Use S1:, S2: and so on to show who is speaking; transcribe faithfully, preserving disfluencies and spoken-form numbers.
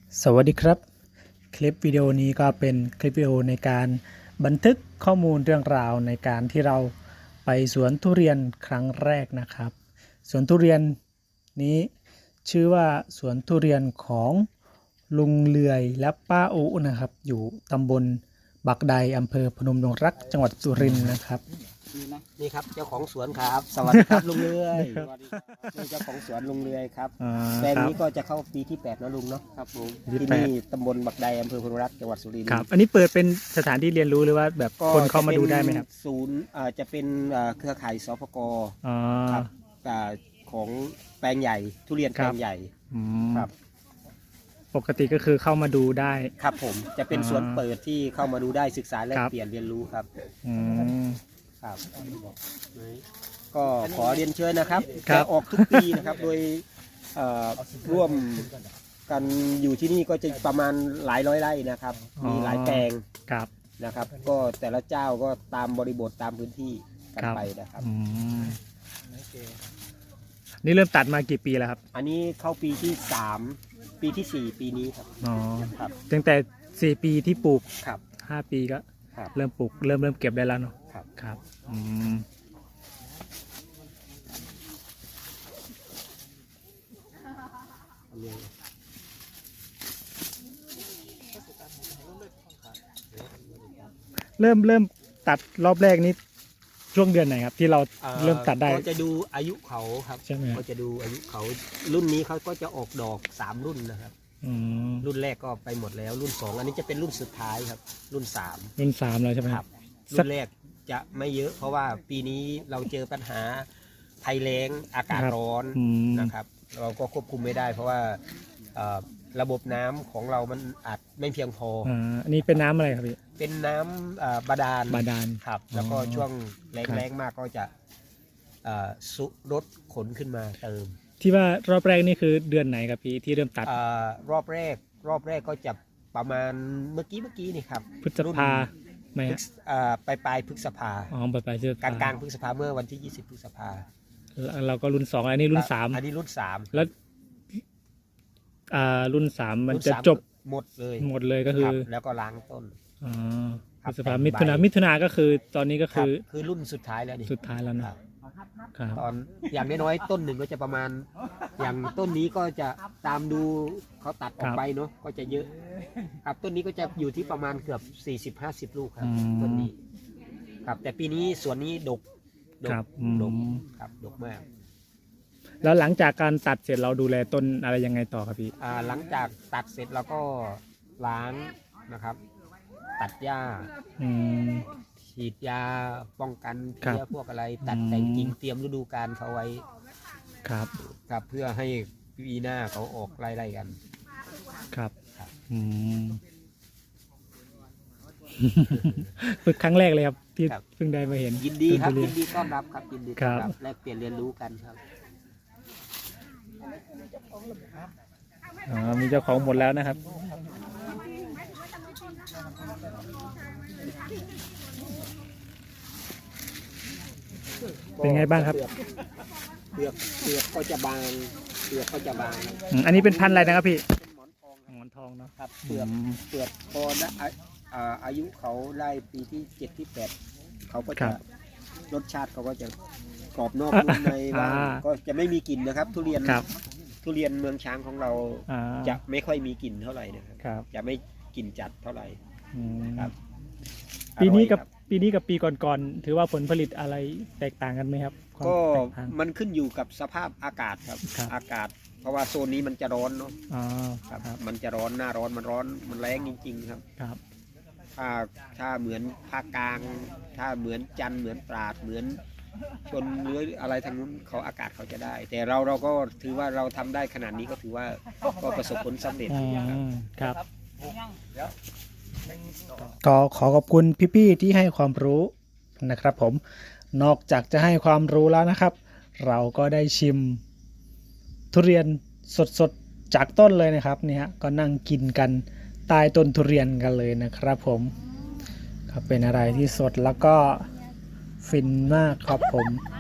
S1: สวัสดีครับคลิปวิดีโอนี้ก็เป็นคลิปวิดีโอในการบันทึกข้อมูลเรื่องราวในการที่เราไปสวนทุเรียนครั้งแรกนะครับสวนทุเรียนนี้ชื่อว่าสวนทุเรียนของลุงเลือยและป้าอุนะครับอยู่ตำบลบักใดอำเภอพนมดงรักจังหวัดสุรินทร์นะครับ
S2: นี่ครับเจ้าของสวนครับสวัสดีครับลุงเลือยนี่เจ้าของสวนลุงเลือยครับแปลงนี้ก็จะเข้าปีที่แปดนะลุงเนาะครับผมที่นี่ตำบลบักใดอำเภอพนมรักจังหวัดสุรินทร์
S1: ครับอันนี้เปิดเป็นสถานที่เรียนรู้หรือว่าแบบคนเข้ามาดูได้ไหมครับ
S2: ศูนย์จะเป็นเครือข่ายสปกครับของแปลงใหญ่ทุเรียนแปลงใหญ่ครับ
S1: ปกติก็คือเข้ามาดูได้
S2: ครับผมจะเป็นสวนเปิดที่เข้ามาดูได้ศึกษาและเปลี่ยนเรียนรู้ครับครับก็ขอเรียนเชิญนะครับจะออกทุกปีนะครับโดยร่วมกันอยู่ที่นี่ก็จะประมาณหลายร้อยไร่นะครับมีหลายแปลงนะครับก็แต่ละเจ้าก็ตามบริบทตามพื้นที่กันไปนะครับ
S1: นี่เริ่มตัดมากี่ปีแล้วครับ
S2: อันนี้เข้าปีที่สามปีที่สี่ปีนี้ครับ
S1: อ๋อครับตั้งแต่สี่ปีที่ปลูก
S2: ครับ
S1: ห้าปีก็เริ่มปลูกเริ่มเริ่มเก็บได้แล้วเนาะ
S2: ครับ
S1: ครับอืมเริ่มเริ่มตัดรอบแรกนี้ช่วงเดือนไหนครับที่เราเริ่มตัดได้
S2: ก็จะดูอายุเขาครับ
S1: ใช่ไหม
S2: ก็จะดูอายุเขารุ่นนี้เขาก็จะออกดอกสามรุ่นนะครับรุ่นแรกก็ไปหมดแล้วรุ่นสองอันนี้จะเป็นรุ่นสุดท้ายครับรุ่นสาม
S1: รุ่นสามแล้วใช่ไหม
S2: ครับรุ่นแรกจะไม่เยอะเพราะว่าปีนี้เราเจอปัญหาภัยแล้งอากาศร้อนนะครับเราก็ควบคุมไม่ได้เพราะว่าระบบน้ำของเรามันอาจไม่เพียงพอ
S1: อันนี้เป็นน้ำอะไรครับพี่
S2: เป็นน้ำบาดาล
S1: บาดาล
S2: ครับแล้วก็ช่วงแรงๆมากก็จะสุรถขนขึ้นมาเติม
S1: ที่ว่ารอบแรกนี่คือเดือนไหนครับพี่ที่เริ่มตัด
S2: รอบแรกรอบแรกก็จะประมาณเมื่อกี้เมื่อกี้นี่ครับ
S1: พฤษภาไม่
S2: ปลายปลายพฤษภา
S1: อ๋อปลายปลาย
S2: กลางกลางพฤษภาเมื่อวันที่ยี่สิบพฤษภา
S1: เราก็รุ่นสองอันนี้รุ่นสาม
S2: อันนี้รุ่นสาม
S1: แล้วรุ่นสามมันจะจบ
S2: หมดเลย
S1: หมดเลยก็คือ
S2: แล้วก็ล้างต้น
S1: อ๋อพฤษภามิถุนามิถุนาก็คือตอนนี้ก็คือ
S2: คือรุ่นสุดท้ายแล้วนี่
S1: สุดท้ายแล้วนะ
S2: ตอนอย่างน้อยๆต้นหนึ่งก็จะประมาณอย่างต้นนี้ก็จะตามดูเขาตัดออกไปเนาะก็จะเยอะครับต้นนี้ก็จะอยู่ที่ประมาณเกือบสี่สิบห้าสิบลูกครับต้นนี้ครับแต่ปีนี้สวนนี้ดกดกดกครับดกมาก
S1: แล้วหลังจากการตัดเสร็จเราดูแลต้นอะไรยังไงต่อครับพี่
S2: อ่าหลังจากตัดเสร็จเราก็ล้างนะครับตัดหญ้าฉีดยาป้องกันเพี้ยพวกอะไรตัดแต่งกิ่งเตรียมฤดูกาลเขาไว้
S1: ครับ
S2: ครับเพื่อให้ปีหน้าเขาออกไล่ๆกัน
S1: ครับอืมฝึกครั้งแรกเลยครับที่เพิ่งได้มาเห็น
S2: ยินดีครับยินดีต้อนรับครับยินดีต้อนรับแลกเปลี่ยนเรียนรู้กันครับ
S1: อ๋อมีเจ้าของหมดแล้วนะครับเป็นไงบ้างครับ
S2: เปลือกเปลือกก็จะบางเปลือกก็จะบาง
S1: อันนี้เป็นพันธุ์อะไรนะครับพี่หมอนทองเนาะ
S2: ครับเปลือกเปลือกพอนะอายุเขาไล่ปีที่เจ็ดที่แปดเขาก็จะรสชาติเขาก็จะกรอบนอกนุ่มในบ้างก็จะไม่มีกลิ่นนะครับทุเรียนทุเรียนเมืองช้างของเราจะไม่ค่อยมีกลิ่นเท่าไหร่นะครับจะไม่กลิ่นจัดเท่าไหร่ครับ
S1: ปีนี้กับปีนี้กับปีก่อนๆถือว่าผลผลิตอะไรแตกต่างกันไหมครับ
S2: ก็มันขึ้นอยู่กับสภาพอากาศครับอากาศเพราะว่าโซนนี้มันจะร้อนเนาะครับมันจะร้อนหน้าร้อนมันร้อนมันแรงจริงๆครับ
S1: ครับ
S2: ถ้าถ้าเหมือนภาคกลางถ้าเหมือนจันทร์เหมือนตราดเหมือนชนหรืออะไรทางนู้นเขาอากาศเขาจะได้แต่เราเราก็ถือว่าเราทำได้ขนาดนี้ก็ถือว่าก็ประสบผลสำเร็จ
S1: ครับก็ขอขอบคุณพี่ๆที่ให้ความรู้นะครับผมนอกจากจะให้ความรู้แล้วนะครับเราก็ได้ชิมทุเรียนสดๆจากต้นเลยนะครับเนี่ยก็นั่งกินกันใต้ต้นทุเรียนกันเลยนะครับผมครับเป็นอะไรที่สดแล้วก็ฟินมากครับผม